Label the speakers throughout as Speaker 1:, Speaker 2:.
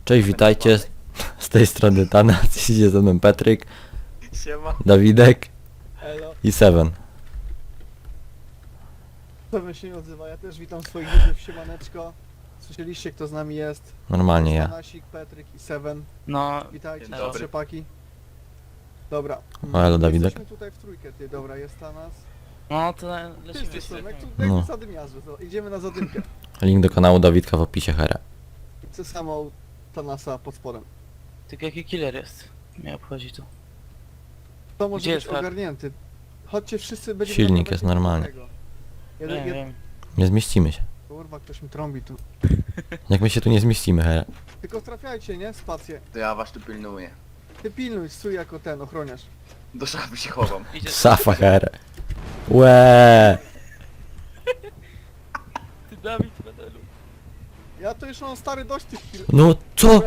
Speaker 1: Cześć, witajcie. Z tej strony Tanas, idzie ze mną Patryk,
Speaker 2: Siema.
Speaker 1: Dawidek
Speaker 3: Elo,
Speaker 1: i Seven.
Speaker 3: to się nie odzywa. Ja też witam swoich widzów, siemaneczko. Słyszeliście, kto z nami jest?
Speaker 1: Normalnie ja.
Speaker 3: Tanasik, Patryk i Seven.
Speaker 4: No,
Speaker 3: Witajcie,
Speaker 2: Dzień
Speaker 3: cześć,
Speaker 2: dobry.
Speaker 3: chłopaki. Dobra.
Speaker 1: O, elo, Dawidek.
Speaker 3: Jesteśmy tutaj w trójkę, ty. Dobra, jest Tanas.
Speaker 4: no to lecimy
Speaker 3: Wszyscy są, jak tu
Speaker 1: No.
Speaker 3: jak zadymiarze. To idziemy na zadymkę.
Speaker 1: Link do kanału Dawidka w opisie, hera.
Speaker 3: Chcę samą Tanasa pod spodem.
Speaker 4: Tylko jaki killer jest? Mnie obchodzi to.
Speaker 3: To może
Speaker 4: Gdzie
Speaker 3: być
Speaker 4: jest hak?
Speaker 3: ogarnięty. Chodźcie wszyscy, będziemy...
Speaker 1: Silnik
Speaker 3: nagrywać
Speaker 1: jest
Speaker 3: jeden
Speaker 1: normalny.
Speaker 3: jednego.
Speaker 4: Wiem,
Speaker 3: Jeden,
Speaker 4: wiem.
Speaker 1: Nie zmieścimy się.
Speaker 3: Kurwa, ktoś mi trąbi tu.
Speaker 1: Jak my się tu nie zmieścimy, hera.
Speaker 3: Tylko trafiajcie, nie? Spację.
Speaker 2: To ja was tu pilnuję.
Speaker 3: Ty pilnuj, stój jako ten ochroniarz.
Speaker 2: Do szafy się chowam.
Speaker 4: Idzie
Speaker 1: Safa, hera. Łeee.
Speaker 4: ty Dawid medelu.
Speaker 3: Ja to już mam stary dość tych chwil.
Speaker 1: No co?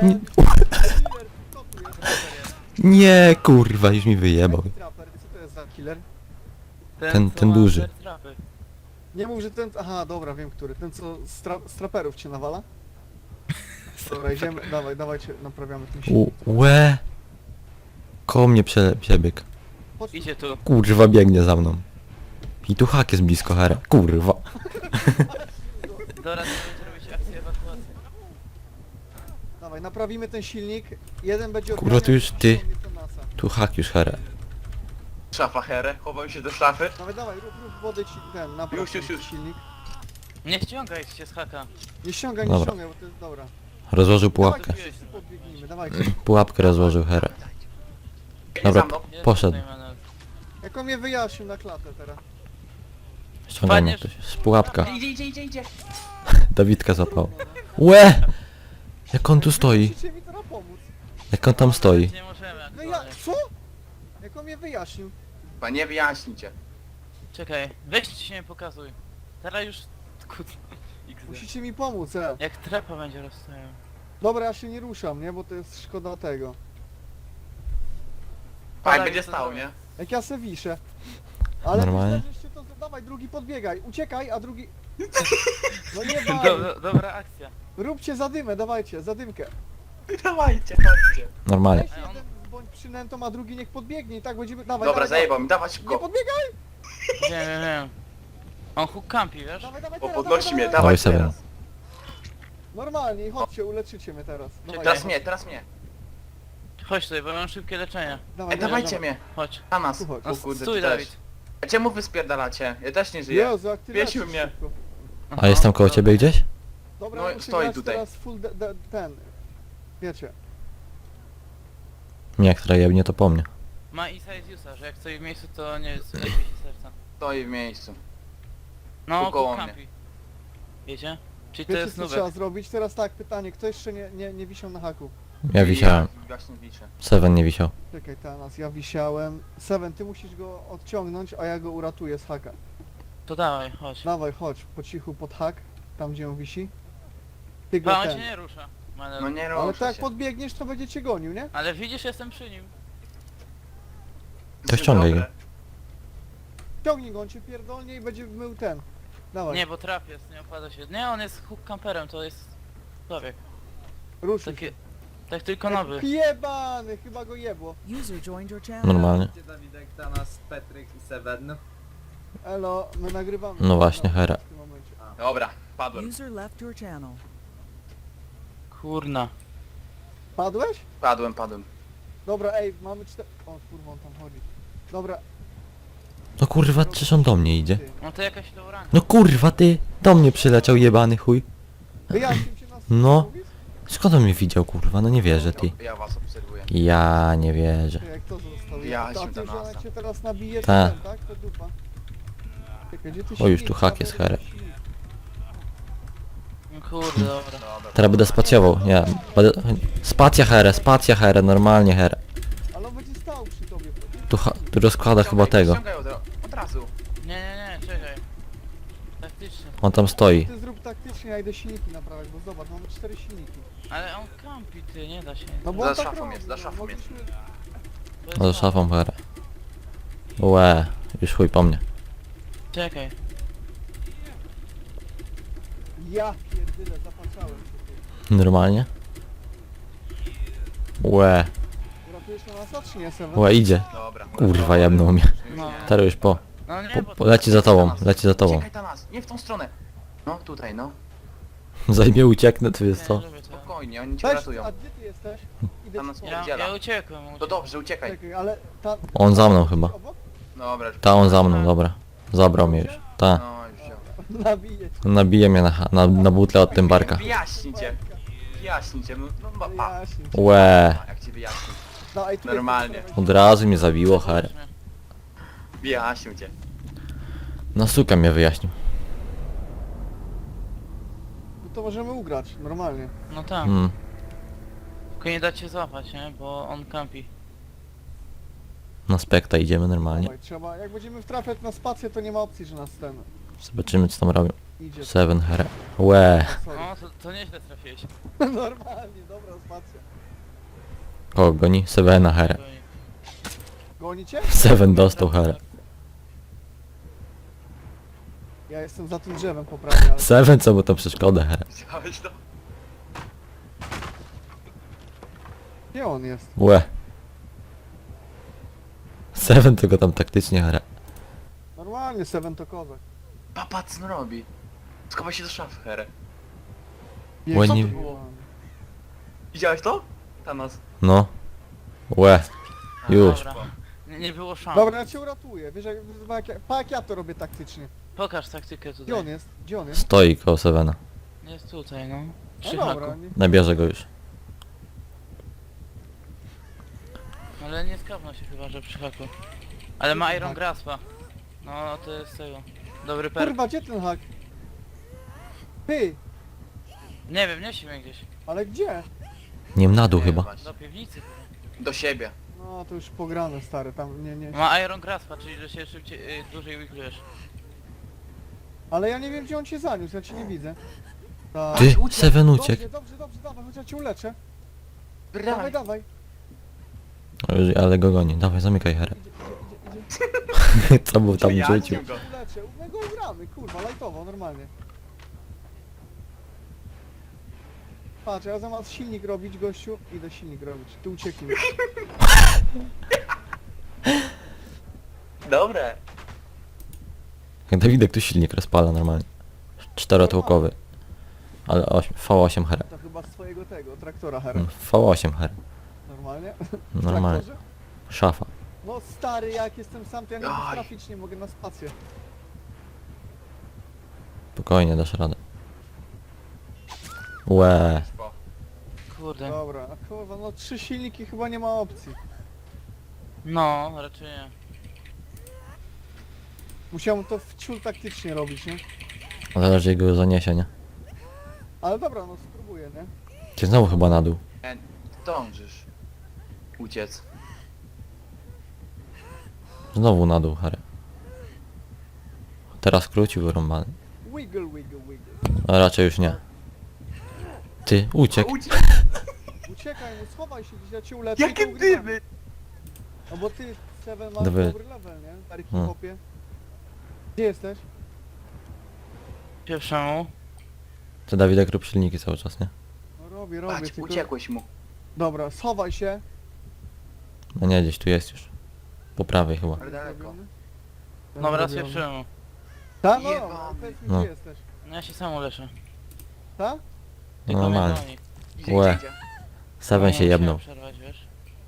Speaker 1: Nie, kurwa, już mi wyjebał.
Speaker 3: Trapper, co to jest za killer?
Speaker 1: Ten
Speaker 4: co ma
Speaker 1: duży.
Speaker 4: te trapy.
Speaker 3: Nie mów, że ten... Aha, dobra, wiem który. Ten, co z traperów cię nawala? Dobra, idziemy, dawajcie, naprawiamy ten silnik.
Speaker 1: Łe. Koło mnie przebiegł.
Speaker 3: Chodź tu.
Speaker 4: Idzie tu.
Speaker 1: Kurwa, biegnie za mną. I tu hak jest blisko, hera. Kurwa.
Speaker 4: Dobra, to będzie robić akcję ewakuacji.
Speaker 3: Dawaj, naprawimy ten silnik. Jeden będzie
Speaker 1: Kurwa,
Speaker 3: odganiał,
Speaker 1: to już ty.
Speaker 3: ściągnie to NASA.
Speaker 1: Tu hak już, hera.
Speaker 2: Szafa herę, chowam się do szafy.
Speaker 3: Dawaj, rób wodę ci ten, napraw
Speaker 2: Już.
Speaker 3: ten silnik.
Speaker 4: Nie ściągaj się z haka.
Speaker 3: Nie ściągaj,
Speaker 1: Dobra.
Speaker 3: bo to jest dobra.
Speaker 1: Rozłożył pułapkę.
Speaker 3: Dawajcie, wszyscy podbiegnijmy, dawajcie.
Speaker 1: Pułapkę rozłożył, hera. Dobra,
Speaker 2: Za mną.
Speaker 4: Jest
Speaker 1: poszedł.
Speaker 4: tutaj Manel.
Speaker 3: Jak on mnie wyjaśnił na klatę teraz.
Speaker 1: Ściągaj mnie
Speaker 4: Wpadniesz?
Speaker 1: ktoś. Z pułapka.
Speaker 2: Idzie.
Speaker 1: Dawidka zapał. Łe! Jak on tu stoi?
Speaker 3: Musicie mi teraz pomóc.
Speaker 1: Jak on tam stoi?
Speaker 4: Nie możemy
Speaker 3: Wyja...
Speaker 4: aktualnie.
Speaker 3: Co? Jak on mnie wyjaśnił?
Speaker 2: Panie, wyjaśnijcie.
Speaker 4: Czekaj, weź się nie pokazuj. Teraz już... Kurde. XD.
Speaker 3: Musicie mi pomóc,
Speaker 4: Jak trapa będzie rozstawiał.
Speaker 3: Dobra, ja się nie ruszam, nie? Bo to jest szkoda tego.
Speaker 2: Pan
Speaker 4: Podaj,
Speaker 2: będzie
Speaker 4: co
Speaker 2: stał,
Speaker 4: zrobię.
Speaker 2: nie?
Speaker 3: Jak ja se wiszę. Ale
Speaker 1: Normalnie.
Speaker 3: myślę, żeście to... Dawaj, drugi podbiegaj. Uciekaj, a drugi... No nie baj.
Speaker 4: Dobra akcja.
Speaker 3: Róbcie zadymę, dawajcie, zadymkę.
Speaker 2: Dawajcie, chodźcie.
Speaker 1: Normalnie.
Speaker 3: Weź jeden bądź przynętą, a drugi niech podbiegnie i tak będziemy... Dawaj,
Speaker 2: Dobra,
Speaker 3: dawaj,
Speaker 2: zajebał mi, dawać
Speaker 3: Nie
Speaker 2: szybko.
Speaker 3: podbiegaj!
Speaker 4: Wiem. On hook campi, wiesz?
Speaker 3: Dawaj,
Speaker 2: O,
Speaker 3: teraz,
Speaker 2: podnosi mnie,
Speaker 1: Dawaj
Speaker 2: dawaj
Speaker 1: sobie.
Speaker 2: teraz.
Speaker 3: Normalnie i chodźcie, uleczycie mnie teraz. Dawaj,
Speaker 2: Teraz mnie.
Speaker 4: Chodź tutaj, bo mam szybkie leczenie.
Speaker 3: Dawaj,
Speaker 2: Ej, dawajcie mnie.
Speaker 4: Chodź.
Speaker 2: Na nas.
Speaker 3: Tu chodź.
Speaker 2: O kurde,
Speaker 4: Stój,
Speaker 2: ty
Speaker 4: Dawid.
Speaker 2: też. A czemu wy spierdalacie? Ja też nie żyję.
Speaker 3: Jezu, jak ty
Speaker 2: Wiesił
Speaker 3: lecisz
Speaker 2: mnie.
Speaker 3: szybko.
Speaker 1: A jestem koło ciebie gdzieś?
Speaker 3: Dobra,
Speaker 2: No,
Speaker 3: ja muszę
Speaker 2: stoi
Speaker 3: grać
Speaker 2: tutaj.
Speaker 3: teraz full ten... Wiecie.
Speaker 1: Nie, która jebnie to po mnie.
Speaker 4: Ma inside user, że jak stoi w miejscu to nie jest lepiej się serca.
Speaker 2: Stoi w miejscu.
Speaker 4: No,
Speaker 2: Tu koło
Speaker 4: hook
Speaker 2: mnie.
Speaker 4: campi. Wiecie? Czyli to
Speaker 3: Wiecie
Speaker 4: jest
Speaker 3: co
Speaker 4: nubek.
Speaker 3: trzeba zrobić? Teraz tak, pytanie, kto jeszcze nie wisiał na haku?
Speaker 1: Ja wisiałem.
Speaker 2: Właśnie wiszę.
Speaker 1: Seven nie wisiał.
Speaker 3: Czekaj, teraz ja wisiałem. Seven, ty musisz go odciągnąć, a ja go uratuję z haka.
Speaker 4: To dawaj, chodź.
Speaker 3: Dawaj, chodź, po cichu pod hak, tam gdzie on wisi. Ty go
Speaker 4: Pan
Speaker 3: ten.
Speaker 4: się nie rusza. Manel.
Speaker 2: No nie
Speaker 3: Ale
Speaker 2: ruszę
Speaker 3: tak jak
Speaker 2: się.
Speaker 3: podbiegniesz, to będzie cię gonił, nie?
Speaker 4: Ale widzisz, jestem przy nim.
Speaker 1: To ściągaj go.
Speaker 2: Dobre.
Speaker 3: Ciągnij go, on cię pierdolnie i będzie mył ten. Dawaj,
Speaker 4: Nie, bo trap jest, nie opłaca się. Nie, on jest hook camperem, to jest człowiek.
Speaker 3: ruszył
Speaker 4: Takie...
Speaker 3: się.
Speaker 4: Tak tylko nowy.
Speaker 3: Jebany, chyba go jebło.
Speaker 5: User joined your channel.
Speaker 1: Normalnie.
Speaker 6: Dawidek, Tanas, Patryk i Seven.
Speaker 3: Elo, my nagrywamy.
Speaker 1: No właśnie, hera.
Speaker 3: W tym momencie.
Speaker 2: Dobra, padłem.
Speaker 5: User left your channel.
Speaker 4: Kurna.
Speaker 3: Padłeś?
Speaker 2: Padłem.
Speaker 3: Dobra, ej, mamy 4... O kurwa, on tam chodzi. Dobra.
Speaker 1: No kurwa, czyż on do mnie idzie?
Speaker 3: Ty.
Speaker 4: No to jakaś low rank.
Speaker 1: No kurwa, ty! Do mnie przyleciał jebany chuj.
Speaker 3: Wyjaśnił cię nas.
Speaker 1: No. Skąd on mnie widział, kurwa? No nie wierzę, ty.
Speaker 2: Ja was obserwuję.
Speaker 1: Ja nie wierzę.
Speaker 3: Jak to został?
Speaker 2: Wyjaśnił
Speaker 3: A ty,
Speaker 2: to
Speaker 3: że
Speaker 2: NASA.
Speaker 3: jak cię teraz nabije, to
Speaker 1: Ta.
Speaker 3: ten, tak? To dupa. Czekaj, gdzie ty
Speaker 1: O, już
Speaker 3: silnik?
Speaker 1: tu hak jest,
Speaker 3: Dobra,
Speaker 1: hera.
Speaker 3: silnik.
Speaker 4: No kurde, dobra.
Speaker 2: Dobra.
Speaker 1: Teraz będę spacjował, nie. Będę... Spacja herę, normalnie herę.
Speaker 3: Ale on będzie stał przy tobie.
Speaker 1: Tu rozkłada chyba tego.
Speaker 2: Ściągaj od razu.
Speaker 4: Nie, czekaj. Taktycznie.
Speaker 1: On tam stoi.
Speaker 3: Ty zrób taktycznie, ja idę silniki naprawiać, bo zobacz, mamy 4 silniki.
Speaker 4: Ale on campi, ty, nie da się.
Speaker 3: No bo
Speaker 2: Za
Speaker 3: on tak
Speaker 2: szafą
Speaker 3: robi,
Speaker 2: jest, za
Speaker 3: no,
Speaker 2: szafą jest.
Speaker 3: mogliśmy-
Speaker 4: To jest
Speaker 1: No za
Speaker 4: to.
Speaker 1: szafą herę. Łe, już chuj po mnie.
Speaker 4: Czekaj.
Speaker 3: Ja pierdyle, zapatrzałem się.
Speaker 1: Normalnie? Łe,
Speaker 3: Uratujesz na nas, czy nie, Seven?
Speaker 1: łe, idzie.
Speaker 2: Dobra.
Speaker 1: Kurwa, jebnął mnie.
Speaker 4: No.
Speaker 1: Teraz już po.
Speaker 4: No nie, bo...
Speaker 1: Leci za tobą, leci za tobą.
Speaker 2: Uciekaj Tanas, nie w tą stronę. No, tutaj, no.
Speaker 1: Zajmie ucieknę, to jest
Speaker 4: Nie,
Speaker 1: to.
Speaker 4: lubię to.
Speaker 2: Spokojnie, oni cię
Speaker 3: Weź,
Speaker 2: ratują.
Speaker 3: a gdzie ty jesteś? Idę
Speaker 2: Tam nas
Speaker 3: ci
Speaker 2: nie
Speaker 3: pomóc.
Speaker 4: Ja uciekłem.
Speaker 2: To dobrze, uciekaj.
Speaker 3: Czekaj, ale ta...
Speaker 1: On za mną chyba.
Speaker 3: Obok?
Speaker 2: Dobra,
Speaker 1: Ta, on za mną, dobra. Zabrał mnie już. Ta.
Speaker 2: no już wziął.
Speaker 3: Nabiję cię.
Speaker 1: Nabije mnie na butle od tym barka.
Speaker 2: Wyjaśnijcie. Wyjaśnijcie, no pa.
Speaker 3: Wyjaśnię cię.
Speaker 1: Łe,
Speaker 2: Jak ci wyjaśnić?
Speaker 3: Dawaj, tu
Speaker 2: Normalnie.
Speaker 3: jesteś,
Speaker 1: od razu mnie zabiło, her.
Speaker 2: Wyjaśnił cię.
Speaker 1: No suka mnie wyjaśnił.
Speaker 3: No to możemy ugrać, normalnie.
Speaker 4: No tak.
Speaker 1: Mm.
Speaker 4: Tylko nie da cię złapać, nie? Bo on campi.
Speaker 1: Na spekta idziemy normalnie.
Speaker 3: Dawaj, trzeba, jak będziemy wtrafiać na spację, to nie ma opcji, że nas ten
Speaker 1: Zobaczymy co tam robią.
Speaker 3: idzie.
Speaker 1: Seven her. Łe.
Speaker 3: Sorry.
Speaker 4: No to nieźle trafiłeś.
Speaker 3: Normalnie, dobra spacja.
Speaker 1: Kogo goni? Sevena her.
Speaker 3: Gonicie?
Speaker 1: Seven dostał her.
Speaker 3: Ja jestem za tym drzewem poprawnie, ale...
Speaker 1: Seven co mu to przeszkodę her.
Speaker 2: Widziałeś to?
Speaker 3: Gdzie on jest?
Speaker 1: Łe. Seven to go tam taktycznie her.
Speaker 3: Normalnie, Seven to kozak.
Speaker 2: Papa co on robi? Schowaj się do szafy, Here.
Speaker 1: Łe,
Speaker 3: co
Speaker 1: nie-
Speaker 3: to było?
Speaker 2: Widziałeś to? Tanas.
Speaker 1: No. Łe. Już.
Speaker 4: Dobra. Nie było szans.
Speaker 3: Dobra, ja cię uratuję. Wiesz, jak ja to robię taktycznie.
Speaker 4: Pokaż taktykę
Speaker 3: Gdzie
Speaker 4: tutaj.
Speaker 3: on jest? Gdzie on jest?
Speaker 1: Stoi koło Sevena.
Speaker 4: Jest tutaj, no.
Speaker 3: No
Speaker 4: Przy
Speaker 3: dobra,
Speaker 4: haku.
Speaker 3: nie...
Speaker 1: Nabierze go już.
Speaker 4: Ale nie skapnął się chyba, że przy haku. Ale ma Iron Graspa. No to jest tego. Dobry perk.
Speaker 3: Kurwa, gdzie ten hak? Ty,
Speaker 4: Nie wiem, niesie mnie gdzieś.
Speaker 3: ale gdzie?
Speaker 1: Nie wiem, na dół chyba.
Speaker 2: Właśnie.
Speaker 4: Do piwnicy.
Speaker 2: Do siebie.
Speaker 3: No, to już pograne, stary, tam nie...
Speaker 4: Ma Iron Graspa, czyli że się szybciej, dłużej wiklujesz.
Speaker 3: Ale ja nie wiem, gdzie on cię zaniósł, ja cię nie widzę. Tak.
Speaker 1: Ty,
Speaker 2: uciekł.
Speaker 1: Seven uciekł.
Speaker 3: Dobrze, dawaj, chociaż cię uleczę. Dawaj,
Speaker 2: Dawaj.
Speaker 3: dawaj.
Speaker 1: Ale go goni. Dawaj, zamykaj herę.
Speaker 3: Idzie.
Speaker 1: Co był tam
Speaker 2: Przyjaciół
Speaker 1: rzucił?
Speaker 2: go.
Speaker 3: Uleczę, my go ugramy, kurwa, lajtowo, normalnie. Patrz, ja zamiast silnik robić, gościu, idę silnik robić. Ty ucieknij.
Speaker 2: Dobre.
Speaker 1: Jak Dawidek tu silnik rozpala normalnie. Czterotłokowy. Ale V8 herę.
Speaker 3: To chyba z twojego tego, traktora, Hera.
Speaker 1: V8 herę.
Speaker 3: Normalnie?
Speaker 1: Normalnie.
Speaker 3: Traktorze?
Speaker 1: Szafa.
Speaker 3: No stary, jak jestem sam, to ja nie mogę
Speaker 2: Aj.
Speaker 3: trafić, nie mogę na spację.
Speaker 1: Spokojnie, dasz radę. Łe.
Speaker 2: Po.
Speaker 4: Kurde.
Speaker 3: Dobra, a kurwa, no 3 silniki chyba nie ma opcji.
Speaker 4: No, raczej nie.
Speaker 3: Musiałem to w ciul taktycznie robić, nie?
Speaker 1: Zależy jak go zaniesie, nie?
Speaker 3: Ale dobra, no spróbuję, nie?
Speaker 1: Ty znowu chyba na dół.
Speaker 2: Dążysz. Uciec.
Speaker 1: Znowu na dół herę. Teraz krócił wyrąbany.
Speaker 3: Wiggle, wiggle, wiggle.
Speaker 1: A raczej już nie. Ty, uciekł.
Speaker 3: Uciekaj, no schowaj się gdzieś, ja cię uleczę.
Speaker 2: Jakie
Speaker 3: i to ugrywamy.
Speaker 2: dymy!
Speaker 3: No bo ty, Seven, masz
Speaker 1: Dobry.
Speaker 3: dobry level, nie? Stary
Speaker 1: No.
Speaker 3: hip-hopie. Gdzie jesteś?
Speaker 4: Pierwszemu.
Speaker 1: Ty Dawidek rób silniki cały czas, nie?
Speaker 3: No robię,
Speaker 2: Patrz,
Speaker 3: tylko...
Speaker 2: uciekłeś mu.
Speaker 3: Dobra, schowaj się.
Speaker 1: No nie, gdzieś tu jest już. Po prawej chyba.
Speaker 2: Ale daleko.
Speaker 3: Zrobiony.
Speaker 4: Dobra,
Speaker 3: Zrobiony.
Speaker 4: pierwszemu.
Speaker 3: Ta? No,
Speaker 2: Jebany.
Speaker 3: no, powiedz mi,
Speaker 1: No.
Speaker 3: gdzie jesteś.
Speaker 4: No ja się sam uleczę.
Speaker 3: Ta?
Speaker 4: Tylko
Speaker 1: Normalnie.
Speaker 4: mnie goni.
Speaker 2: Idzie,
Speaker 1: Łe.
Speaker 2: idzie.
Speaker 1: Seven się
Speaker 4: No,
Speaker 1: jebnął.
Speaker 4: musiałem przerwać, wiesz.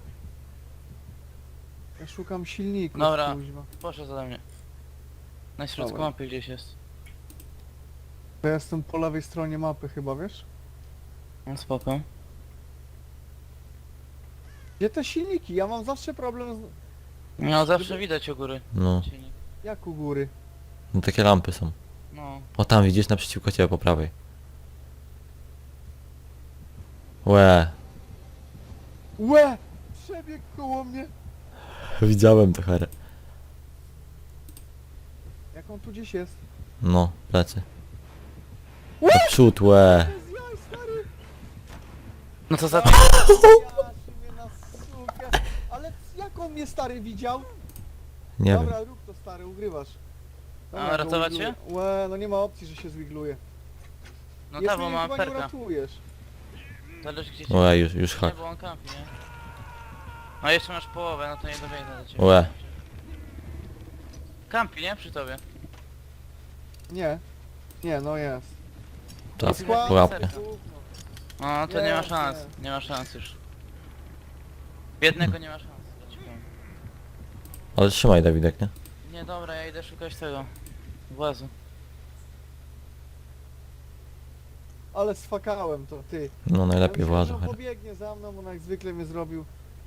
Speaker 3: Ja szukam silników,
Speaker 4: Dobra.
Speaker 3: kuźwa.
Speaker 4: Poszedł ode mnie. Na środku
Speaker 3: Dobra.
Speaker 4: mapy gdzieś jest.
Speaker 3: To ja jestem po lewej stronie mapy chyba, wiesz?
Speaker 4: No spoko.
Speaker 3: Gdzie te silniki? Ja mam zawsze problem z...
Speaker 4: No zawsze widać u góry.
Speaker 1: No.
Speaker 4: Silnik.
Speaker 3: Jak u góry?
Speaker 1: No takie lampy są.
Speaker 4: No.
Speaker 1: O tam widzisz naprzeciwko ciebie po prawej. Łe.
Speaker 3: Łe! Przebiegł koło mnie!
Speaker 1: Widziałem to herę.
Speaker 3: Jak on tu gdzieś jest?
Speaker 1: No, plecy. Naprzód, łe.
Speaker 3: To jest jaj, stary!
Speaker 4: No to za...
Speaker 3: Jaszy mnie na sukę! Ale jak on mnie stary widział?
Speaker 1: Nie wiem.
Speaker 3: Dobra, rób to stary, ugrywasz.
Speaker 4: A,
Speaker 3: go
Speaker 4: ratować
Speaker 3: wigluję.
Speaker 4: się?
Speaker 3: Łe, no nie ma opcji, że się zwigluje.
Speaker 4: No tak, bo
Speaker 3: mnie
Speaker 4: mam
Speaker 3: chyba nie
Speaker 4: perka.
Speaker 3: uratujesz.
Speaker 4: Zależy gdzie cię...
Speaker 1: Łe, już
Speaker 4: Nie,
Speaker 1: hak.
Speaker 4: bo on kampi, nie? No jeszcze masz połowę, no to nie dobiegnę do ciebie.
Speaker 1: Łe.
Speaker 4: Kampi, nie? Przy tobie.
Speaker 3: Nie. Nie, no jest.
Speaker 1: Tak,
Speaker 3: Skład,
Speaker 1: pułapkę.
Speaker 3: gówno.
Speaker 4: No to nie ma
Speaker 3: Jest,
Speaker 4: szans,
Speaker 3: jest.
Speaker 4: nie ma szans już. Biednego nie ma szans, ja ci powiem.
Speaker 1: Ale trzymaj Dawidek, nie?
Speaker 4: Nie, dobra, ja idę szukać tego włazu.
Speaker 3: Ale sfakałem to, ty.
Speaker 1: No najlepiej
Speaker 3: Ja myślałem,
Speaker 1: włazu,
Speaker 3: że on
Speaker 1: Hera.
Speaker 3: pobiegnie za mną, on jak zwykle mnie zrobił.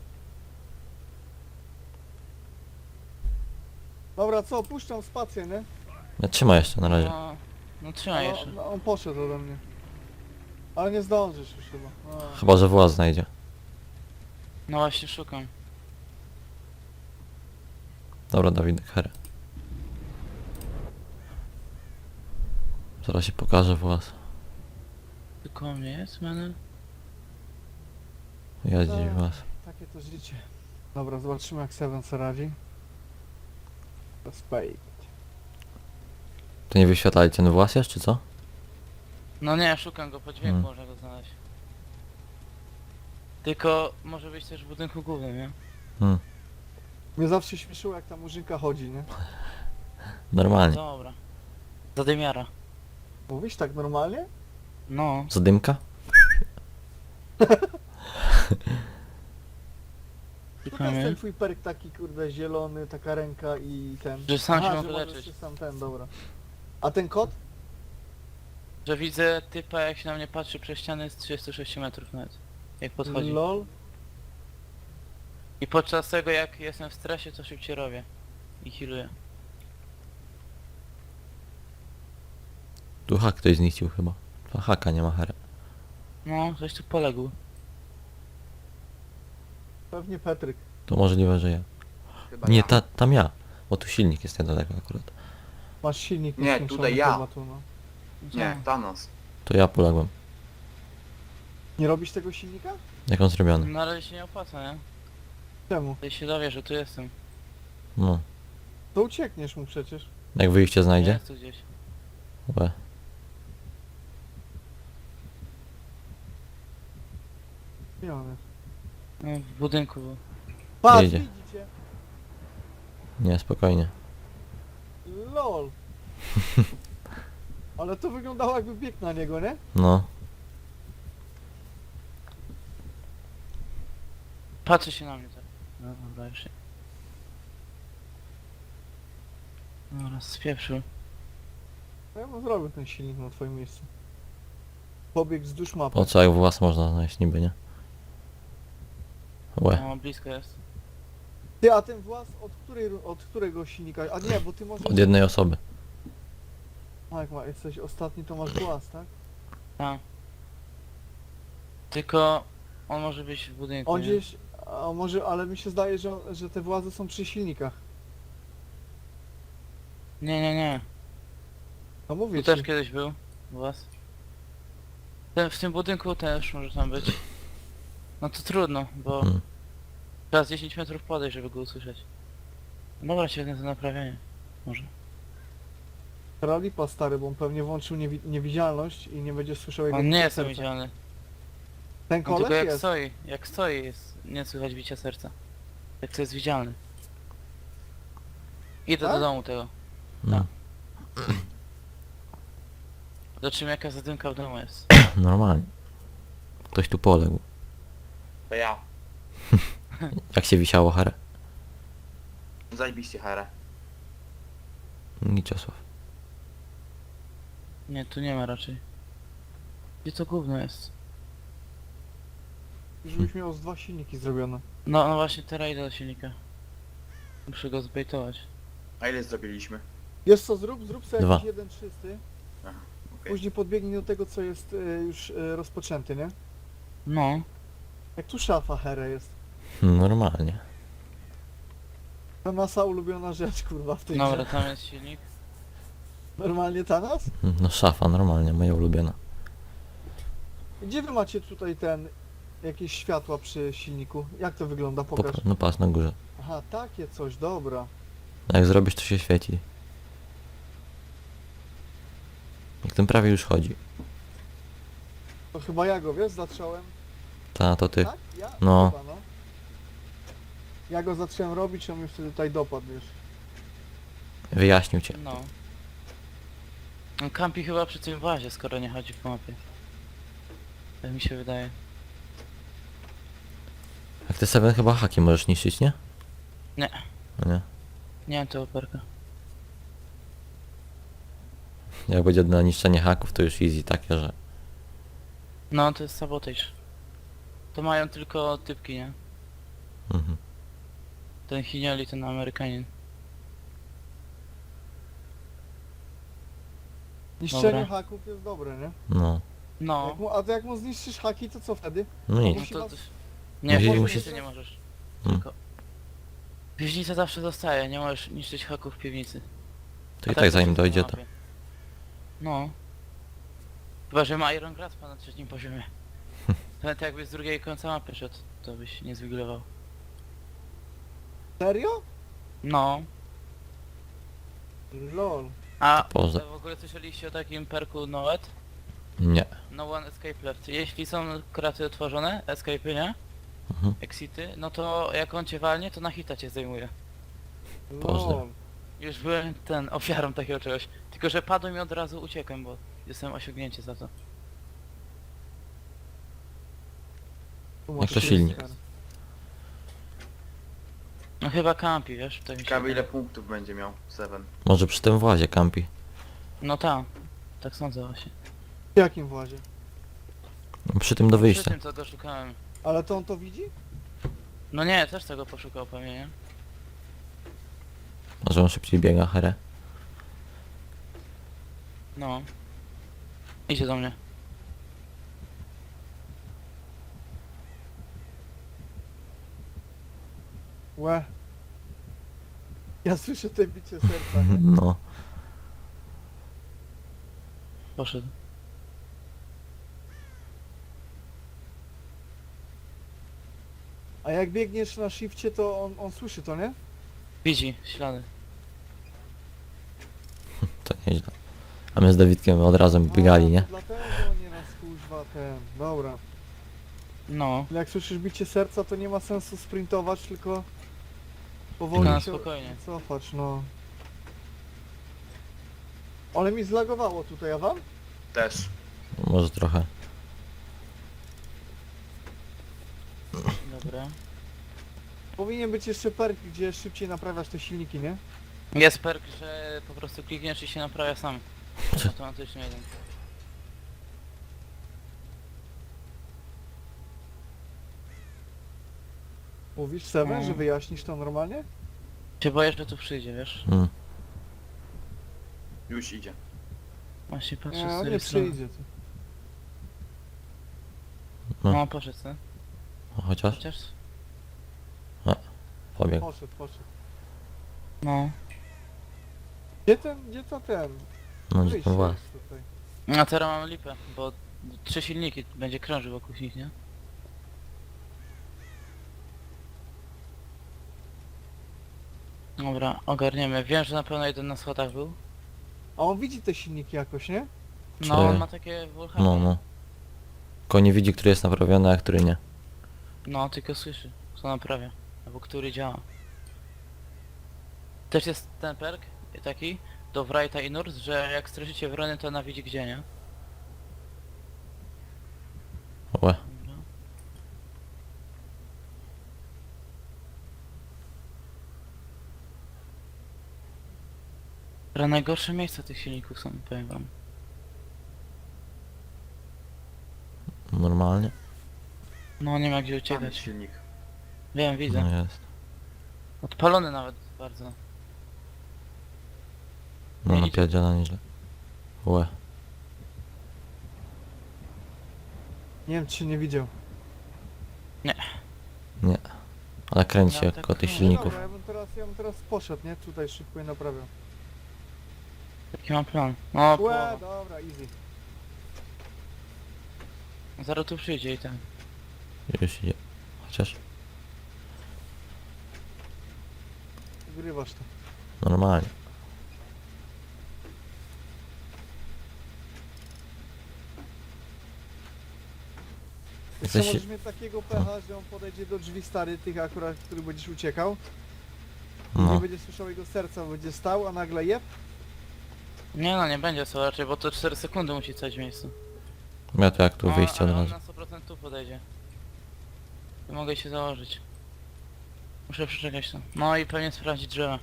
Speaker 3: Dobra, co, puszczam spację, nie?
Speaker 1: Nie, trzymaj jeszcze na razie.
Speaker 4: No trzymaj jeszcze.
Speaker 3: No, on poszedł ode mnie. Ale nie zdążysz już chyba. A.
Speaker 1: Chyba, że właz znajdzie.
Speaker 4: No właśnie szukam.
Speaker 1: Dobra, Dawidek, Hera. Zaraz się pokaże właz.
Speaker 4: Tylko mnie jest, menel?
Speaker 1: Ja dziś właz.
Speaker 3: Takie to życie. Dobra, zobaczymy jak Seven sobie radzi. Spade.
Speaker 1: To nie wyświetlali ten włas jeszcze, czy co?
Speaker 4: No nie, szukam go, po dźwięku
Speaker 1: Hmm.
Speaker 4: można go znaleźć. Tylko może być też w budynku głównym, nie?
Speaker 1: Hmm.
Speaker 3: Mnie zawsze śmieszyło jak ta murzynka chodzi, nie?
Speaker 1: Normalnie.
Speaker 4: Dobra. Zadymiara.
Speaker 3: Mówisz tak normalnie?
Speaker 4: No.
Speaker 1: Zadymka?
Speaker 3: To jest
Speaker 4: Szukamy.
Speaker 3: ten twój perk taki kurde zielony, taka ręka i ten.
Speaker 4: Że sam się
Speaker 3: Aha,
Speaker 4: mogę
Speaker 3: że możesz
Speaker 4: leczyć.
Speaker 3: się sam ten, dobra. A ten kot?
Speaker 4: Że widzę typa jak się na mnie patrzy przez ściany z 36 metrów nawet. Jak podchodzi.
Speaker 3: LOL.
Speaker 4: I podczas tego jak jestem w stresie to szybciej robię. I healuję.
Speaker 1: Tu hak ktoś zniszczył chyba. To haka nie ma Hera.
Speaker 4: No, coś tu poległ.
Speaker 3: Pewnie Petryk.
Speaker 1: To możliwe, że ja.
Speaker 2: Chyba
Speaker 1: Nie,
Speaker 2: ja.
Speaker 1: tam ja. Bo tu silnik jest niedaleko akurat.
Speaker 3: Masz silnik
Speaker 2: Nie,
Speaker 3: nieskończony
Speaker 2: tutaj ja.
Speaker 3: chyba tu, no.
Speaker 2: Nie, Thanos.
Speaker 1: To ja poległem.
Speaker 3: Nie robisz tego silnika?
Speaker 1: Jak on zrobiony?
Speaker 4: Na razie się nie opłaca, nie?
Speaker 3: Czemu?
Speaker 4: Tutaj się dowie, że tu jestem.
Speaker 1: No.
Speaker 3: To uciekniesz mu przecież.
Speaker 1: Jak wyjście znajdzie?
Speaker 4: Jest tu gdzieś.
Speaker 1: Łe.
Speaker 3: Nie on jest.
Speaker 4: No, w budynku był.
Speaker 3: Patrz,
Speaker 1: Jedzie.
Speaker 3: widzicie?
Speaker 1: Nie, spokojnie.
Speaker 3: LOL. Ale to wyglądało jakby biegł na niego, nie?
Speaker 1: No.
Speaker 4: Patrzy się na mnie tak. No dobra, już się. Dobra, spieprzył.
Speaker 3: No ja bym zrobił ten silnik na twoim miejscu. Pobiegł wzdłuż mapy.
Speaker 1: Po co jak włas można znaleźć niby, nie? Łe.
Speaker 4: No, blisko jest.
Speaker 3: Ty, a ten włas od którego silnika? A nie, bo ty możesz...
Speaker 1: Od jednej osoby.
Speaker 3: A jak jesteś ostatni, to masz włas, tak?
Speaker 4: Tak. Tylko on może być w budynku.
Speaker 3: On
Speaker 4: nie?
Speaker 3: gdzieś... A może, ale mi się zdaje, że te włazy są przy silnikach.
Speaker 4: Nie, nie, nie.
Speaker 3: No mówię
Speaker 4: Tu też
Speaker 3: ci.
Speaker 4: kiedyś był u was. W tym budynku też może tam być. No to trudno, bo
Speaker 1: Hmm.
Speaker 4: trzeba z 10 metrów podejść, żeby go usłyszeć. Dobra, świetne to naprawienie. Może.
Speaker 3: Teraz lipa stary, bo on pewnie włączył niewidzialność i nie będzie słyszał jego
Speaker 4: On nie
Speaker 3: bicia
Speaker 4: jest
Speaker 3: serca.
Speaker 4: widzialny.
Speaker 3: Ten
Speaker 4: On
Speaker 3: koleś
Speaker 4: tylko jak
Speaker 3: jest.
Speaker 4: stoi, jak stoi jest nie słychać bicia serca. Jak to jest widzialny. Idę
Speaker 3: Tak?
Speaker 4: do domu tego.
Speaker 1: No.
Speaker 4: Zobaczymy jaka zadymka w domu jest.
Speaker 1: Normalnie. Ktoś tu poległ.
Speaker 2: To ja.
Speaker 1: Jak się wisiało Hera?
Speaker 2: Zajebiście Hera.
Speaker 1: Niczesław.
Speaker 4: Nie, tu nie ma raczej. Gdzie to gówno jest?
Speaker 3: Żebyś miał z 2 silniki zrobione.
Speaker 4: No, no właśnie teraz idę do silnika. Muszę go zbejtować.
Speaker 2: A ile zrobiliśmy?
Speaker 3: Wiesz co, zrób sobie
Speaker 1: 2.
Speaker 3: jakiś jeden czysty.
Speaker 2: Okej.
Speaker 3: Później podbiegnij do tego, co jest już rozpoczęty, nie?
Speaker 4: No.
Speaker 3: Jak tu szafa Here jest.
Speaker 1: Normalnie.
Speaker 3: To nasza ulubiona rzecz, kurwa, w tej
Speaker 4: Dobra,
Speaker 3: grze.
Speaker 4: tam jest silnik.
Speaker 3: Normalnie ta nas?
Speaker 1: No szafa, normalnie, moja ulubiona.
Speaker 3: Gdzie wy macie tutaj jakieś światła przy silniku? Jak to wygląda? Pokaż.
Speaker 1: No patrz na górze.
Speaker 3: Aha, takie coś, dobra.
Speaker 1: A jak zrobisz, to się świeci. Jak ten prawie już chodzi.
Speaker 3: To chyba ja go, wiesz, zacząłem.
Speaker 1: Ta, to ty.
Speaker 3: Tak? Ja?
Speaker 1: No.
Speaker 3: Chyba, no. Ja go zacząłem robić, on mnie wtedy tutaj dopadł, wiesz.
Speaker 1: Wyjaśnił cię.
Speaker 4: No. On kampi chyba przy tym włazie, skoro nie chodzi po mapie. Tak mi się wydaje.
Speaker 1: Jak ty Seven chyba haki możesz niszczyć, nie?
Speaker 4: Nie.
Speaker 1: No nie.
Speaker 4: Nie mam tego perka.
Speaker 1: Jak będzie na niszczenie haków, to już easy takie, że...
Speaker 4: No to jest sabotage. To mają tylko typki, nie?
Speaker 1: Mhm.
Speaker 4: Ten Hinioli, ten Amerykanin.
Speaker 3: Niszczenie
Speaker 4: Dobra.
Speaker 3: haków jest dobre, nie?
Speaker 1: No.
Speaker 4: No.
Speaker 3: A to jak mu zniszczysz haki, to co wtedy?
Speaker 1: No nic.
Speaker 4: No
Speaker 3: Musi
Speaker 4: to...
Speaker 3: was-
Speaker 4: Nie,
Speaker 1: Musisz-
Speaker 4: piwnicy
Speaker 3: musisz-
Speaker 4: nie możesz.
Speaker 1: Mm.
Speaker 4: Tylko... Piwnica zawsze zostaje, nie możesz niszczyć haków w piwnicy.
Speaker 1: To
Speaker 4: A
Speaker 1: i tak zanim
Speaker 4: wszystko
Speaker 1: dojdzie
Speaker 4: na
Speaker 1: to...
Speaker 4: mapie. No. Chyba, że ma Iron Graspa na trzecim poziomie. Nawet jakby z drugiej końca mapy szedł, to byś nie zwigilował.
Speaker 3: Serio?
Speaker 4: No.
Speaker 3: Lol.
Speaker 4: A
Speaker 1: Poza.
Speaker 4: w ogóle słyszeliście o takim perku Noet?
Speaker 1: Nie.
Speaker 4: No one escape left. Jeśli są kraty otworzone, escape'y, nie?
Speaker 1: Mhm.
Speaker 4: Exity, no to jak on cię walnie, to na hita cię zdejmuje.
Speaker 1: Pozdro.
Speaker 3: Lol.
Speaker 4: Już byłem ofiarą takiego czegoś. Tylko że padłem i od razu uciekłem, bo dostałem osiągnięcie za to.
Speaker 3: Tu
Speaker 1: Jak
Speaker 3: masz
Speaker 1: to silnik.
Speaker 3: Tristar.
Speaker 4: No chyba campi, wiesz? Tak mi się
Speaker 2: Ciekawe ile
Speaker 4: wydaje.
Speaker 2: punktów będzie miał Seven.
Speaker 1: Może przy tym włazie kampi.
Speaker 4: No tak. Tak sądzę właśnie.
Speaker 3: W jakim włazie?
Speaker 1: Przy tym do
Speaker 4: Przy
Speaker 1: wyjścia.
Speaker 4: tym co go szukałem.
Speaker 3: Ale to on to widzi?
Speaker 4: No nie, też tego poszukał pewnie, nie?
Speaker 1: Może on szybciej biega, herę.
Speaker 4: No. Idzie do mnie.
Speaker 3: Łe. Ja słyszę te bicie serca, nie?
Speaker 1: No.
Speaker 4: Poszedł.
Speaker 3: A jak biegniesz na shifcie, to on słyszy to, nie?
Speaker 4: Widzi ślady.
Speaker 1: To nieźle. A my z Dawidkiem od razu biegali,
Speaker 3: A,
Speaker 1: nie?
Speaker 3: to dlatego nie nas kuźwa ten. Dobra.
Speaker 4: No.
Speaker 3: Jak słyszysz bicie serca, to nie ma sensu sprintować, tylko powoli
Speaker 4: Tylko na
Speaker 3: się
Speaker 4: spokojnie.
Speaker 3: cofać, no. Ale mi zlagowało tutaj, a wam?
Speaker 2: Też.
Speaker 1: Może trochę.
Speaker 4: Dobra.
Speaker 3: Powinien być jeszcze perk, gdzie szybciej naprawiasz te silniki, nie?
Speaker 4: Jest perk, że po prostu klikniesz i się naprawia sam. Automatycznie jeden.
Speaker 3: Mówisz Seven,
Speaker 4: No.
Speaker 3: że wyjaśnisz to normalnie?
Speaker 4: Się boję, że tu przyjdzie, wiesz?
Speaker 1: Mm.
Speaker 2: Już idzie.
Speaker 4: Właśnie patrzę
Speaker 3: Nie,
Speaker 4: z
Speaker 3: on
Speaker 4: tej
Speaker 3: nie
Speaker 4: strony.
Speaker 3: przyjdzie. Ty.
Speaker 4: No poszedł, co?
Speaker 1: O, chociaż?
Speaker 4: Chociaż...
Speaker 1: Pobiegł.
Speaker 3: Poszedł.
Speaker 4: No.
Speaker 3: Gdzie to ten?
Speaker 1: No gdzie
Speaker 3: Wyjście
Speaker 1: ten właz?
Speaker 3: jest tutaj.
Speaker 4: A teraz mamy lipę, bo 3 silniki będzie krążył wokół nich, nie? Dobra, ogarniemy. Wiem, że na pewno jeden na schodach był.
Speaker 3: A on widzi te silniki jakoś, nie?
Speaker 1: Czy-
Speaker 4: No, on ma takie wulkany.
Speaker 1: No, no. Tylko nie widzi, który jest naprawiony, a który nie.
Speaker 4: No, tylko słyszy, co naprawia. Albo który działa. Też jest ten perk taki do Wrighta i Nurse, że jak straszycie wrony, to ona widzi gdzie, nie?
Speaker 1: Łe.
Speaker 4: Dobra. Teraz najgorsze miejsca tych silników są, powiem wam.
Speaker 1: Normalnie.
Speaker 4: No nie ma gdzie
Speaker 2: Tam jest
Speaker 4: uciekać.
Speaker 2: silnik.
Speaker 4: Wiem, widzę.
Speaker 1: No jest.
Speaker 4: Odpalony nawet bardzo.
Speaker 1: No
Speaker 4: Nie
Speaker 1: napierdziela nieźle. Łe.
Speaker 3: Nie wiem, czy się nie widział.
Speaker 1: Ale kręci się
Speaker 4: No,
Speaker 1: jak
Speaker 4: tak
Speaker 1: koło tych
Speaker 4: no.
Speaker 1: silników.
Speaker 3: Dobra, ja bym teraz poszedł, nie? Tutaj szybko je naprawiał.
Speaker 4: Jaki mam plan? No,
Speaker 3: Łe,
Speaker 4: połowa.
Speaker 3: dobra, easy.
Speaker 4: Zaraz tu przyjdzie i ten.
Speaker 1: Już idzie. Chociaż
Speaker 3: Wygrywasz to.
Speaker 1: normalnie.
Speaker 3: Jeszcze
Speaker 1: Jesteś-
Speaker 3: możesz mieć takiego pecha, że on podejdzie do drzwi stary tych akurat, w których będziesz uciekał. I
Speaker 1: No.
Speaker 3: nie będzie słyszał jego serca, będzie stał, a nagle jeb.
Speaker 4: Nie no, nie będzie co raczej, bo to 4 sekundy musi stać w miejscu.
Speaker 1: Ja to jak tu
Speaker 4: No,
Speaker 1: wyjście od
Speaker 4: ale on
Speaker 1: razu.
Speaker 4: na 100% tu podejdzie. To mogę się założyć. Muszę przeczekać to. No i pewnie sprawdzić drzewa.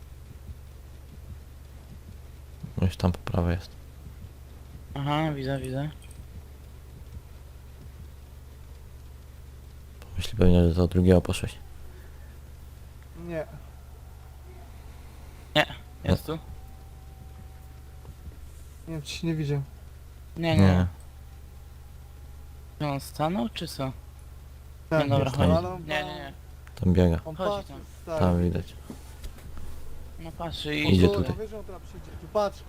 Speaker 1: Już tam po prawej jest.
Speaker 4: Aha, widzę, widzę.
Speaker 1: Myśli pewnie, że do drugiego poszłeś.
Speaker 3: Nie.
Speaker 4: Jest tu?
Speaker 3: Nie wiem, czy się nie widział.
Speaker 4: Nie,
Speaker 1: Nie.
Speaker 4: nie. Czy on stanął, czy co?
Speaker 3: Tak,
Speaker 4: Nie, dobra,
Speaker 3: jest,
Speaker 1: chodzi.
Speaker 3: ale on,
Speaker 4: Nie, nie, nie.
Speaker 1: Tam biega.
Speaker 3: On
Speaker 4: Chodzi
Speaker 3: patrzy,
Speaker 4: tam.
Speaker 3: stary.
Speaker 1: Tam widać.
Speaker 4: No patrzy
Speaker 3: O,
Speaker 4: i...
Speaker 1: Idzie
Speaker 3: tu,
Speaker 1: tutaj.
Speaker 3: No wiesz, że on teraz przyjdzie. Tu patrz.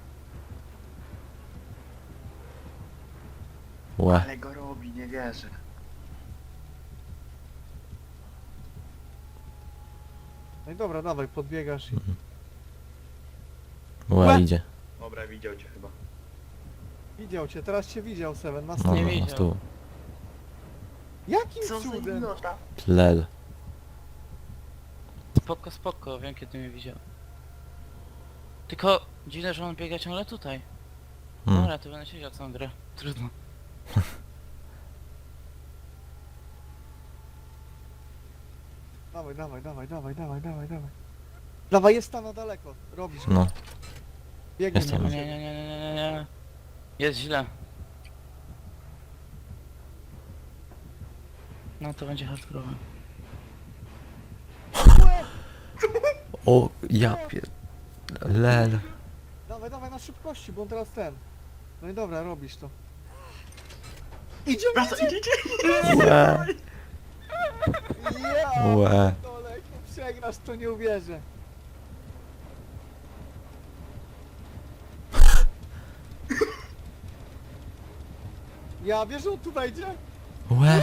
Speaker 1: Łe.
Speaker 2: Ale go robi, nie wierzę.
Speaker 3: No i dobra, dawaj, podbiegasz i...
Speaker 1: Łe
Speaker 3: Łe.
Speaker 1: idzie.
Speaker 2: Dobra, widział cię chyba.
Speaker 3: Widział cię, teraz cię widział, Seven, na
Speaker 1: No,
Speaker 3: stół.
Speaker 4: Nie
Speaker 1: no,
Speaker 4: widział.
Speaker 1: na stół.
Speaker 3: Jakim
Speaker 2: Co za
Speaker 3: cudem?
Speaker 2: idiota?
Speaker 1: Lel.
Speaker 4: Spoko, spoko, wiem kiedy mnie widział. Tylko dziwne, że on biega ciągle tutaj.
Speaker 1: Hmm.
Speaker 4: Dobra, to będę siedział całą grę. Trudno.
Speaker 3: Dawaj, dawaj, dawaj, dawaj, dawaj, dawaj, dawaj. Dawaj, jest tam na daleko, robisz.
Speaker 1: No.
Speaker 3: Biegnie
Speaker 1: Jestem.
Speaker 3: do
Speaker 4: Nie,
Speaker 3: ciebie.
Speaker 4: nie, nie, nie, nie, nie. Jest źle. No to będzie hardcore.
Speaker 1: O, ja pier... Lel.
Speaker 3: Dawaj, dawaj na szybkości, bo on teraz ten. No i dobra, robisz to. Idzie,
Speaker 2: Wraca, idzie, idzie!
Speaker 1: Łe.
Speaker 3: Ja,
Speaker 1: Łe.
Speaker 3: dole, jak to przegrasz, to nie uwierzę. Ja wiesz, że on tu wejdzie?
Speaker 1: Łe.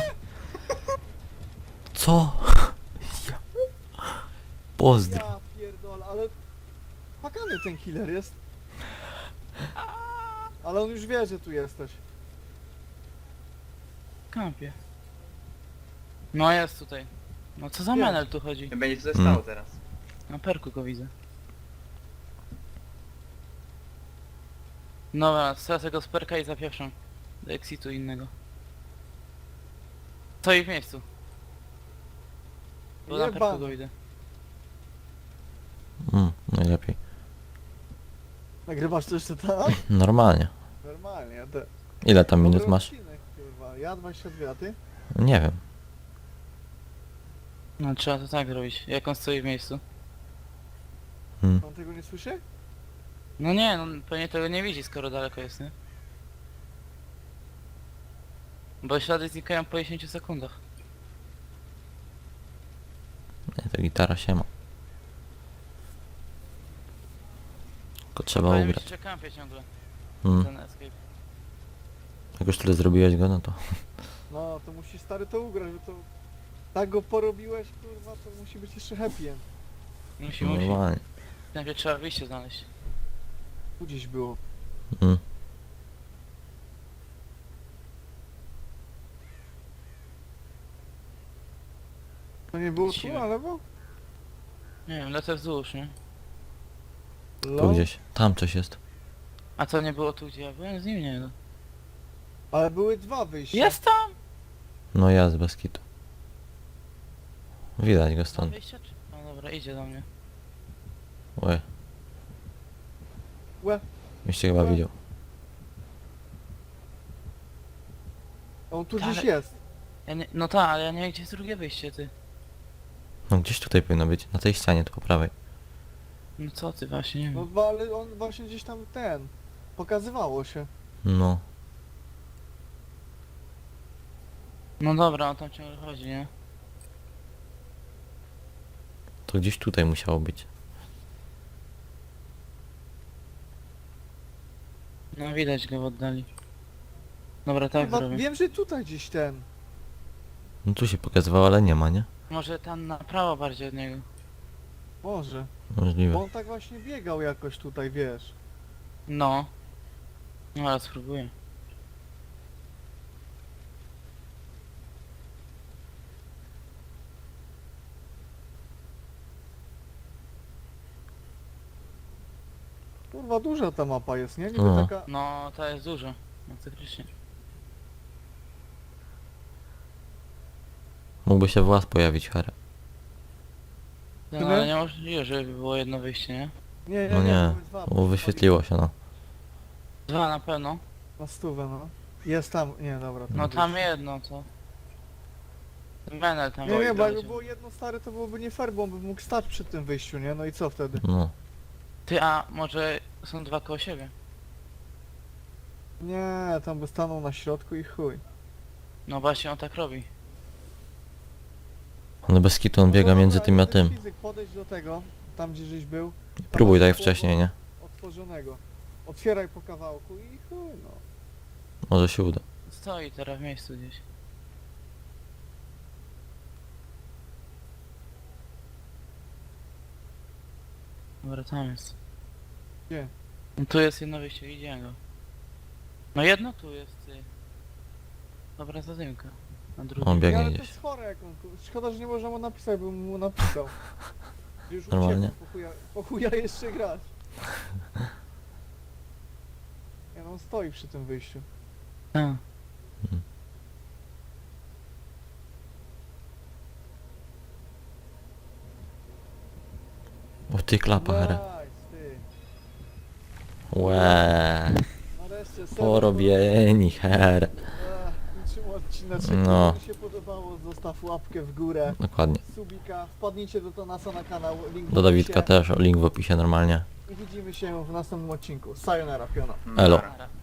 Speaker 1: Co? Ja. Pozdro.
Speaker 3: Ja pierdolę, ale... Pakany ten killer jest. Ale on już wie, że tu jesteś.
Speaker 4: Kampie. No jest tutaj. No co za
Speaker 3: Jest.
Speaker 4: menel tu chodzi?
Speaker 2: Będzie tutaj stało teraz.
Speaker 4: Na perku go widzę. Dobra, stracę go z perka i zapieprzam. Do exitu innego. Stoi w miejscu. Bo na perku
Speaker 3: Jebany.
Speaker 4: go widzę.
Speaker 1: Najlepiej.
Speaker 3: Nagrywasz to jeszcze tam?
Speaker 1: Normalnie.
Speaker 3: Normalnie, ja te...
Speaker 1: Ile tam minut
Speaker 3: Dobry
Speaker 1: masz?
Speaker 3: odcinek, kurwa. Ja 22, a ty?
Speaker 1: Nie wiem.
Speaker 4: No trzeba to tak zrobić. Jak on stoi w miejscu?
Speaker 3: On tego nie słyszy?
Speaker 4: No nie, no pewnie tego nie widzi, skoro daleko jest, nie? Bo ślady znikają po 10 sekundach.
Speaker 1: Nie, to gitara się ma. Tylko trzeba
Speaker 4: Powiem
Speaker 1: ugrać.
Speaker 4: ci, że kampię ciągle.
Speaker 1: Mm.
Speaker 4: Ten escape.
Speaker 1: Jak już tyle zrobiłeś go, no to...
Speaker 3: No, to musisz stary to ugrać, bo to... Tak go porobiłeś, kurwa, to musi być jeszcze happy end.
Speaker 4: Musi.
Speaker 1: Normalnie.
Speaker 4: Najpierw trzeba wyjście znaleźć.
Speaker 3: Tu gdzieś było.
Speaker 1: Mm.
Speaker 3: To nie było tu,
Speaker 4: Siwe.
Speaker 3: na lewo?
Speaker 4: Nie wiem, lecę wzdłuż, nie?
Speaker 1: Tu gdzieś. Tam coś jest.
Speaker 4: A co nie było tu, gdzie ja byłem? Z nim nie, no.
Speaker 3: Ale były dwa wyjścia.
Speaker 4: Jest tam!
Speaker 1: No jest, bez kitu. Widać go
Speaker 4: Tam
Speaker 1: stąd.
Speaker 4: wyjście czy... No dobra, idzie do mnie.
Speaker 1: Łe.
Speaker 3: Łe.
Speaker 1: Już cię chyba widział.
Speaker 3: On tu
Speaker 4: Ale-
Speaker 3: gdzieś jest.
Speaker 4: Ja nie... No tak, ale ja nie wiem, gdzie jest drugie wyjście, ty.
Speaker 1: No gdzieś tutaj powinno być. Na tej ścianie, tu po prawej.
Speaker 4: No co ty, właśnie, nie
Speaker 3: No
Speaker 4: wiem.
Speaker 3: ale on właśnie gdzieś tam ten... Pokazywało się.
Speaker 1: No.
Speaker 4: No dobra, on tam ciągle chodzi, nie?
Speaker 1: To gdzieś tutaj musiało być.
Speaker 4: No widać go w oddali. Dobra, tak
Speaker 3: Chyba
Speaker 4: zrobię.
Speaker 3: wiem, że tutaj gdzieś ten.
Speaker 1: No tu się pokazywało, ale nie ma, nie?
Speaker 4: Może tam na prawo bardziej od niego.
Speaker 3: Może.
Speaker 1: Możliwe.
Speaker 3: Bo on tak właśnie biegał jakoś tutaj, wiesz.
Speaker 4: No. No ale spróbuję.
Speaker 3: Kurwa, duża ta mapa jest, nie? Niby
Speaker 1: No.
Speaker 3: taka...
Speaker 4: No, to jest dużo. Masakrycznie.
Speaker 1: Mógłby się włas pojawić, Here.
Speaker 4: No,
Speaker 3: Tyle?
Speaker 4: ale niemożliwe, żeby było jedno wyjście, nie?
Speaker 3: Nie,
Speaker 1: No nie,
Speaker 3: to jest dwa,
Speaker 1: bo wyświetliło się, no.
Speaker 4: Dwa na pewno.
Speaker 3: Na stówę, no. Jest tam, nie, dobra.
Speaker 4: No tam jedno, to... Ten Menel tam
Speaker 3: Nie, nie, bo jakby
Speaker 4: doleciał.
Speaker 3: było jedno stare, to byłoby nie fair, bo on by mógł stać przy tym wyjściu, nie? No i co wtedy?
Speaker 1: No.
Speaker 4: Ty, a może są dwa koło siebie?
Speaker 3: Nie, tam by stanął na środku i chuj.
Speaker 4: No właśnie on tak robi.
Speaker 1: Ale bez kitu on biega
Speaker 3: No
Speaker 1: między
Speaker 3: dobra,
Speaker 1: tym a
Speaker 3: ale ten
Speaker 1: tym.
Speaker 3: Fizyk, podejdź do tego, tam gdzie żeś był.
Speaker 1: Próbuj tak jak
Speaker 3: Tam było
Speaker 1: wcześniej, nie?
Speaker 3: Otworzonego. Otwieraj po kawałku i chuj, no.
Speaker 1: Może się uda.
Speaker 4: Stoi teraz w miejscu gdzieś. Dobra, tam jest.
Speaker 3: Gdzie?
Speaker 4: No tu jest jedno wyjście, widziałem go. No jedno tu jest, ty. Dobra, zadymka. Na drugim.
Speaker 1: On
Speaker 3: Nie,
Speaker 1: biegnie
Speaker 3: ale to
Speaker 1: gdzieś.
Speaker 3: jest chore jak on... Szkoda, że nie można mu napisać, bym mu napisał. Już
Speaker 1: Normalnie.
Speaker 3: uciekł, po chuja jeszcze grać. Nie no, on stoi przy tym wyjściu.
Speaker 4: A.
Speaker 1: O ty klapa, Here.
Speaker 3: Nice, ty.
Speaker 1: Łeee.
Speaker 3: Nareszcie, serio,
Speaker 1: Porobieni, Here.
Speaker 3: Kończymy odcinek.
Speaker 1: No.
Speaker 3: Jak mi się podobało, zostaw łapkę w górę.
Speaker 1: Dokładnie.
Speaker 3: Subika, wpadnijcie do Tonasa na kanał, link w
Speaker 1: Do Dawidka
Speaker 3: opisie.
Speaker 1: też, link w opisie normalnie.
Speaker 3: I widzimy się w następnym odcinku. Sayonara, piona.
Speaker 1: Elo.
Speaker 4: Dobra.